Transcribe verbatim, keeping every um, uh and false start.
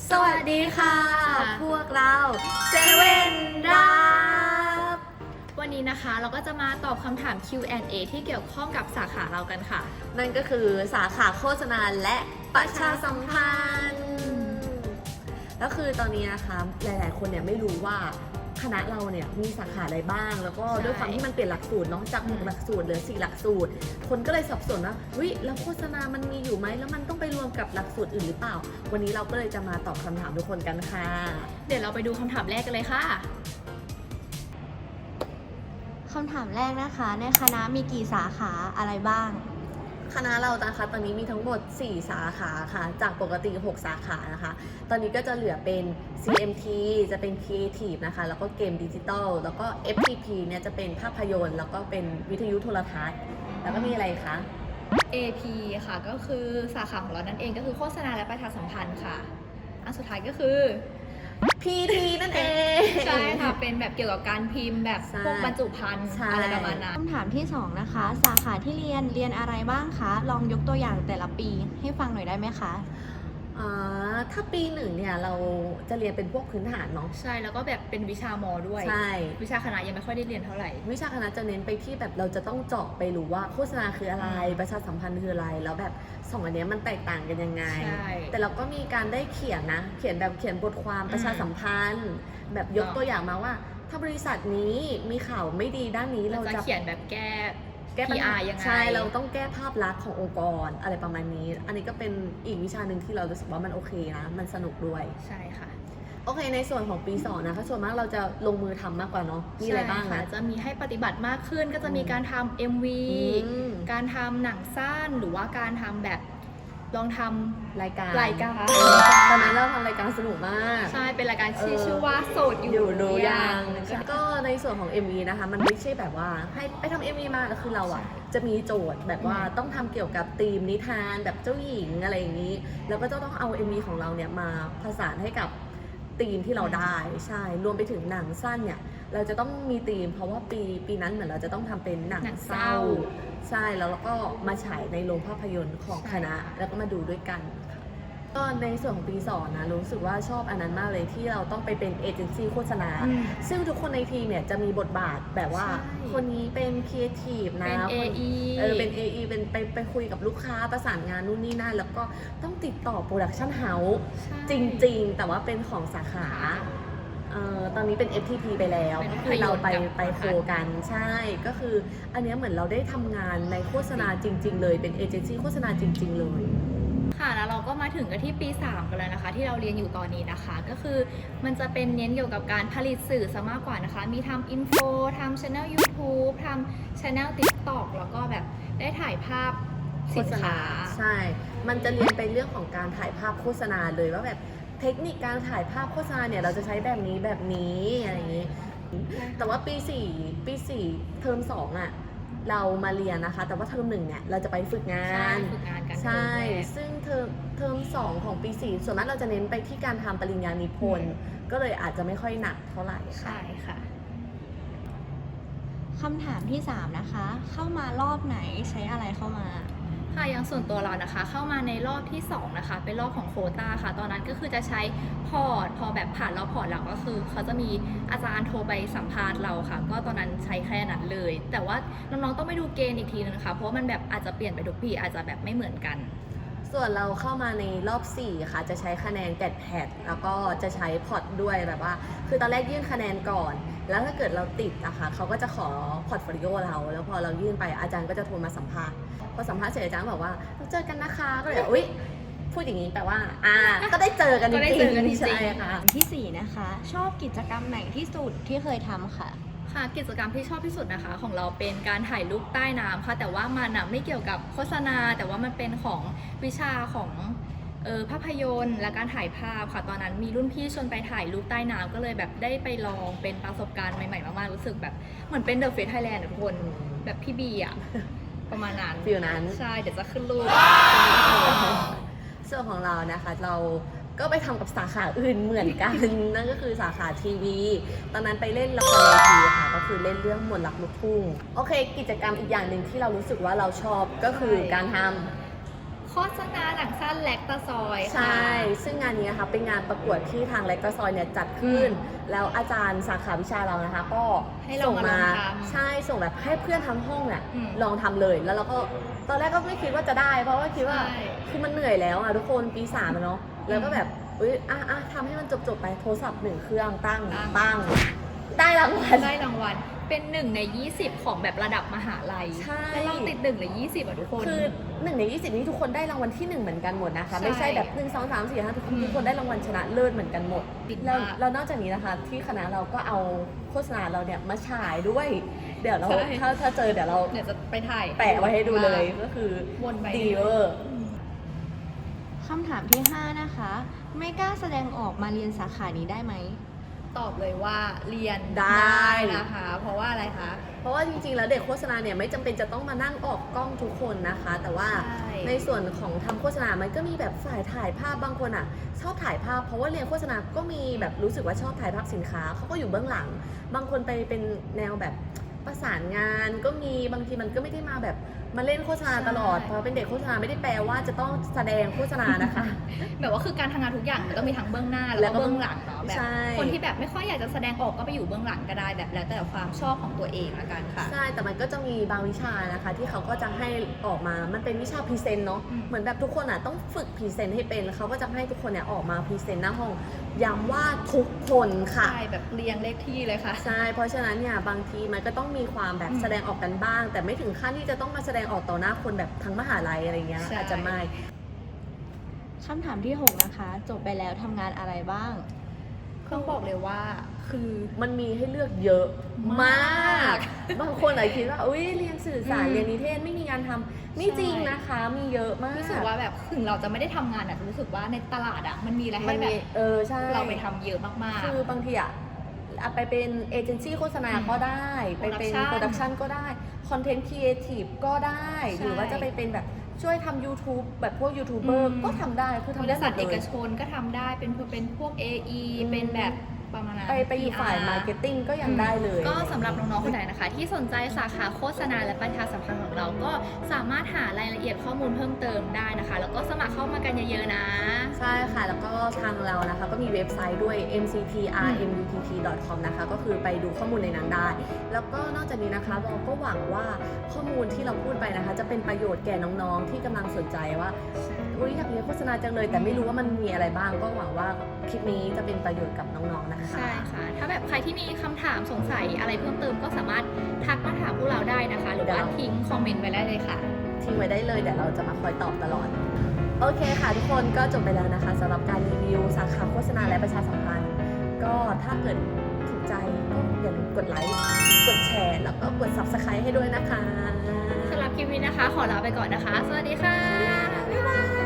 สวัสดีค่ะพวกเราเซเว่นรับวันนี้นะคะเราก็จะมาตอบคำถาม คิว แอนด์ เอ ที่เกี่ยวข้องกับสาขาเรากันค่ะนั่นก็คือสาขาโฆษณาและประชาสัมพันธ์แล้วคือตอนนี้นะคะหลายๆคนเนี่ยไม่รู้ว่าคณะเราเนี่ยมีสาขาอะไรบ้างแล้วก็ด้วยความที่มันเปลี่ยนหลักสูตรเนาะจากหกหลักสูตรเหลือสี่หลักสูตรคนก็เลยสับสนว่าวิแล้วโฆษณามันมีอยู่ไหมแล้วมันต้องไปรวมกับหลักสูตรอื่นหรือเปล่าวันนี้เราก็เลยจะมาตอบคำถามทุกคนกันค่ะเดี๋ยวเราไปดูคำถามแรกกันเลยค่ะคำถามแรกนะคะในคณะมีกี่สาขาอะไรบ้างคณะเรานะคะตอนนี้มีทั้งหมดสี่สาขาค่ะจากปกติหกสาขานะคะตอนนี้ก็จะเหลือเป็น ซี เอ็ม ที จะเป็น Creative นะคะแล้วก็เกมดิจิตอลแล้วก็ เอฟ ที พี เนี่ยจะเป็นภาพยนตร์แล้วก็เป็นวิทยุโทรทัศน์แล้วก็มีอะไรคะเอ พี ค่ะก็คือสาขาของเรานั่นเองก็คือโฆษณาและประชาสัมพันธ์ค่ะอันสุดท้ายก็คือพี ที นั่นเองใช่ค่ะเป็นแบบเกี่ยวกับการพิมพ์แบบพวกบรรจุภัณฑ์อะไรประมาณนั้นคำถามที่สองนะคะสาขาที่เรียนเรียนอะไรบ้างคะลองยกตัวอย่างแต่ละปีให้ฟังหน่อยได้ไหมคะอ่าถ้าปีหนึ่งเนี่ยเราจะเรียนเป็นพวกพื้นฐานเนาะใช่แล้วก็แบบเป็นวิชามอด้วยใช่วิชาคณะยังไม่ค่อยได้เรียนเท่าไหร่วิชาคณะจะเน้นไปที่แบบเราจะต้องเจาะไปรู้ว่าโฆษณาคืออะไรประชาสัมพันธ์คืออะไรแล้วแบบสองอันนี้มันแตกต่างกันยังไงแต่เราก็มีการได้เขียนนะเขียนแบบเขียนบทความประชาสัมพันธ์แบบยกตัวอย่างมาว่าถ้าบริษัทนี้มีข่าวไม่ดีด้านนี้เราจะเขียนแบบแก้แก้ปัญหายังไงใช่เราต้องแก้ภาพลักษณ์ขององค์กรอะไรประมาณนี้อันนี้ก็เป็นอีกวิชาหนึ่งที่เรารู้สึกว่ามันโอเคนะมันสนุกด้วยใช่ค่ะโอเคในส่วนของปีสองนะคะส่วนมากเราจะลงมือทำมากกว่าเนาะมีอะไรบ้างนะจะมีให้ปฏิบัติมากขึ้นก็จะมีการทำ เอ็ม วี การทำหนังสั้นหรือว่าการทำแบบลองทำรายการรายการตอนนั้นเราทำรายการสนุกมากใช่เป็นรายการที่ชื่อว่าโสดอยู่รู้ยังก็ในส่วนของ เอ็ม วี นะคะมันไม่ใช่แบบว่าให้ไปทำ เอ็ม วี มาแล้วคือเราอ่ะจะมีโจทย์แบบว่าต้องทำเกี่ยวกับธีมนิทานแบบเจ้าหญิงอะไรอย่างนี้แล้วก็จะต้องเอา เอ็ม วี ของเราเนี่ยมาผสานให้กับธีมที่เราได้ใช่รวมไปถึงหนังสั้นเนี่ยเราจะต้องมีธีมเพราะว่าปีปีนั้นเหมือนเราจะต้องทำเป็นหนังเศร้าใช่แล้วเราก็มาฉายในโรงภาพยนตร์ของคณะแล้วก็มาดูด้วยกันก็ในส่วนของปีสองนะรู้สึกว่าชอบอันนั้นมากเลยที่เราต้องไปเป็นเอเจนซี่โฆษณาซึ่งทุกคนในทีมเนี่ยจะมีบทบาทแบบว่าคนนี้เป็นครีเอทีฟนะเป็น เอ อีเออเป็น เอ อี เป็นไปไปคุยกับลูกค้าประสานงานนู่นนี่นั่นแล้วก็ต้องติดต่อโปรดักชั่นเฮาส์จริงๆแต่ว่าเป็นของสาขาเอ่อตอนนี้เป็น เอฟ ที พี ไปแล้วก็คือเราไปไปโคกันใช่ก็คืออันนี้เหมือนเราได้ทำงานในโฆษณาจริงๆเลยเป็นเอเจนซี่โฆษณาจริงๆเลยค่ะแล้วเราก็มาถึงกันที่ปีสามกันแล้วนะคะที่เราเรียนอยู่ตอนนี้นะคะก็คือมันจะเป็นเน้นเกี่ยวกับการผลิตสื่อซะมากกว่านะคะมีทำอินโฟทำ channel ยูทูบ ทำ channel ติ๊กต็อก แล้วก็แบบได้ถ่ายภาพสินค้าใช่มันจะเรียนไปเรื่องของการถ่ายภาพโฆษณาเลยว่าแบบเทคนิคการถ่ายภาพโฆษณาเนี่ยเราจะใช้แบบนี้แบบนี้อะไรอย่างนี้แต่ว่าปีสี่ปีสี่เทอมสองอ่ะเรามาเรียนนะคะแต่ว่าเทอมหนึ่งเนี่ยเราจะไปฝึกงานฝึกงานกันใช่ซึ่งเทอมเทอมสองของปีสี่ส่วนมากเราจะเน้นไปที่การทำปริญญานิพนธ์ก็เลยอาจจะไม่ค่อยหนักเท่าไหร่ใช่ค่ะคำถามที่สามนะคะเข้ามารอบไหนใช้อะไรเข้ามาค่ะอย่างส่วนตัวเรานะคะเข้ามาในรอบที่สองนะคะเป็นรอบของโควต้าค่ะตอนนั้นก็คือจะใช้พอร์ตพอแบบผ่านรอบพอร์ตแล้วก็คือเขาจะมีอาจารย์โทรไปสัมภาษณ์เราค่ะก็ตอนนั้นใช้แค่นั้นเลยแต่ว่าน้องๆต้องไปดูเกณฑ์อีกทีนึงนะคะเพราะว่ามันแบบอาจจะเปลี่ยนไปทุกปีอาจจะแบบไม่เหมือนกันส่วนเราเข้ามาในรอบสี่ค่ะจะใช้คะแนนแกดแพดแล้วก็จะใช้พอร์ตด้วยแบบว่าคือตอนแรกยื่นคะแนนก่อนแล้วถ้าเกิดเราติดอะค่ะเขาก็จะขอพอร์ตโฟลิโอเราแล้วพอเรายื่นไปอาจารย์ก็จะโทรมาสัมภาษณ์พอสัมภาษณ์เสร็จอาจารย์บอกว่าเราเจอกันนะคะก็เลยอุ๊ยพูดอย่างนี้แปลว่าอ่าก็ได้เจอกันจริงๆใช่ค่ะที่สี่นะคะชอบกิจกรรมไหนที่สุดที่เคยทำค่ะค่ะกิจกรรมที่ชอบที่สุดนะคะของเราเป็นการถ่ายรูปใต้น้ำค่ะแต่ว่ามันนะไม่เกี่ยวกับโฆษณาแต่ว่ามันเป็นของวิชาของเออภาพยนตร์และการถ่ายภาพค่ะตอนนั้นมีรุ่นพี่ชวนไปถ่ายรูปใต้น้ำก็เลยแบบได้ไปลองเป็นประสบการณ์ใหม่ๆมากๆรู้สึกแบบเหมือนเป็นเดอะเฟสไทยแลนด์ทุกคนแบบพี่บีอะประมาณนั้นฟิลนั้นใช่เดี๋ยวจะขึ้นรูปส่วนของเรานะคะเราก็ไปทำกับสาขาอื่นเหมือนกัน นั่นก็คือสาขาทีวีตอนนั้นไปเล่นละครเวทีค่ะก็คือเล่นเรื่องมนต์รักลูกทุ่งโอเคกิจกรรมอีกอย่างหนึ่งที่เรารู้สึกว่าเราชอบก็คือการทำคษณาหนังสั้นแลคตาซอยค่ะใช่ ซึ่งงานนี้นะคะเป็นงานประกวดที่ทางแลกตาซอยเนี่ยจัดขึ้น แล้วอาจารย์สาขาวิชาเรานะคะ ก็ให้เราส่งมามาลองทำใช่ส่งแบบให้เพื่อนทั้งห้องเนี่ยอืมลองทำเลย แล้วเราก็ตอนแรกก็ไม่คิดว่าจะได้ เพราะว่าคิดว่าใช่คือมันเหนื่อยแล้วอ่ะทุกคนปีสามอะเนาะแล้วก็แบบอุ้ยอ่ะอ่ะทำให้มันจบๆไปโทรศัพท์หนึ่งเครื่องตั้งตั้งตั้งได้รางวัลได้รางวัลเป็นหนึ่งในยี่สิบของแบบระดับมหาลัยใช่แล้วเราติดหนึ่งในยี่สิบอ่ะทุกคนคือหนึ่งในยี่สิบนี้ทุกคนได้รางวัลที่หนึ่งเหมือนกันหมดนะคะใช่ไม่ใช่แบบหนึ่งสองสามสี่ห้าทุกคนอืมทุกคนได้รางวัลชนะเลิศเหมือนกันหมดปิดแล้วมากแล้วนอกจากนี้นะคะ ที่คณะเราก็เอาโฆษณาเราเนี่ยมาฉายด้วย เดี๋ยวเราใช่ถ้าถ้าเจอเดี๋ยวเราเดี๋ยวจะไปถ่ายแปะไว้ให้ดูเลยก็คือวนไปดีเวอร์คำถามที่ห้านะคะ ไม่กล้าแสดงออกมาเรียนสาขานี้ได้ไหมตอบเลยว่าเรียนได้นะคะ เพราะว่าอะไรคะเพราะว่าจริงๆ แล้วเด็กโฆษณาเนี่ยไม่จำเป็นจะต้องมานั่งออกกล้องทุกคนนะคะ แต่ว่าใช่ในส่วนของทำโฆษณา มันก็มีแบบฝ่ายถ่ายภาพบางคนอ่ะ ชอบถ่ายภาพ เพราะว่าเรียนโฆษณา ก็มีแบบรู้สึกว่าชอบถ่ายภาพสินค้าเขาก็อยู่เบื้องหลัง บางคนไปเป็นแนวแบบประสานงาน ก็มีบางทีมันก็ไม่ได้มาแบบมาเล่นโฆษณาตลอดใช่เพราะเป็นเด็กโฆษณาไม่ได้แปลว่าจะต้องแสดงโฆษณานะคะแบบว่าคือการทำงานทุกอย่างมันต้องมีทั้งเบื้องหน้าแล้แล้ววก็ก็เบื้องหลังเนาะแบบใช่คนที่แบบไม่ค่อยอยากจะแสดงออกก็ไปอยู่เบื้องหลังก็ได้แบบแล้วแต่ความชอบของตัวเองละกันค่ะใช่ แต่มันก็จะมีบางวิชานะคะ ที่เขาก็จะให้ออกมา มันเป็นวิชาพรีเซนต์เนาะอืมเหมือนแบบทุกคนอ่ะต้องฝึกพรีเซนต์ให้เป็น แล้วเขาก็จะให้ทุกคนเนี่ยออกมาพรีเซนต์หน้าห้อง ย้ำว่าทุกคนค่ะใช่แบบเรียงเลขที่เลยค่ะใช่ เพราะฉะนั้นเนี่ยบางทีมันก็ต้องมีความแบบอืมแสดงออกกันบ้าง แต่ไม่ถึงขั้นที่จะต้องมาแสดงออกต่อหน้าคนแบบทั้งมหาลัยอะไรเงี้ยใช่อาจจะไม่คำถามที่หกนะคะ จบไปแล้วทำงานอะไรบ้างต้องบอกเลยว่าคือมันมีให้เลือกเยอะมาก บางคนอาจจะคิดว่า อุ้ยเรียนสื่อสารอืมเรียนนิเทศไม่มีงานทำไม่ใช่จริงนะคะ มีเยอะมากรู้สึกว่าแบบถึงเราจะไม่ได้ทำงานอะรู้สึกว่าในตลาดอะมันมีอะไรมัให้นแบมีบเออใช่เราไปทำเยอะมากๆคือบางทีอะอะไปเป็นเอเจนซี่โฆษณาอืมก็ได้ ไปเป็น Production โปรดักชันก็ได้ คอนเทนต์ครีเอทีฟก็ได้ใช่หรือว่าจะไปเป็นแบบช่วยทำ YouTube แบบพวกยูทูบเบอร์อืมก็ทำได้ คือบ ทำได้ริหมษัทดเอเลกยชนก็ทำได้เป็นเป็นพวก เอ อีอืมเป็นแบบประมาณนั้นไปไปอยู่ฝ่ายพีมาอาร์ร์เก็ตติ้งก็ยังได้เลยก็สำหรับน้องๆคนไหนนะคะ ที่สนใจสาขาโฆษณาและประชาสัมพันธ์ของเราก็สามารถหารายละเอียดข้อมูลเพิ่มเติมได้นะคะ แล้วก็สมัครเข้ามากันเยอะๆนะใช่ค่ะ แล้วก็ทางเรานะคะ ก็มีเว็บไซต์ด้วย เอ็ม ซี ที อาร์ เอ็ม ยู ที ที ดอท คอม นะคะ ก็คือไปดูข้อมูลในนั้นได้ แล้วก็นอกจากนี้นะคะเราก็หวังว่าข้อมูลที่เราพูดไปนะคะ จะเป็นประโยชน์แก่น้องๆ ที่กำลังสนใจว่าอุ๊ยอยากเรียนโฆษณาจังเลย แต่ไม่รู้ว่ามันมีอะไรบ้าง ก็หวังว่าคลิปนี้จะเป็นประโยชน์กับน้องๆ นะคะใช่ค่ะ ถ้าแบบใครที่มีคำถามสงสัยอะไรเพิ่มเติมก็สามารถทักมาถามพวกเราได้นะคะ หรือว่าทิ้งคอมเมนต์ไว้ได้เลยค่ะทิ้งไว้ได้เลยเดี๋ยวเราจะมาคอยตอบตลอด โอเคค่ะทุกคนก็จบไปแล้วนะคะสำหรับการรีวิวสาขาโฆษณาและประชาสัมพันธ์ ก็ถ้าเกิดถูกใจก็อย่าลืมกดไลค์ กดแชร์ แล้วก็กด ซับสไครบ์ ให้ด้วยนะคะสำหรับคลิปนี้นะคะ ขอลาไปก่อนนะคะ สวัสดีค่ะบ๊ายบาย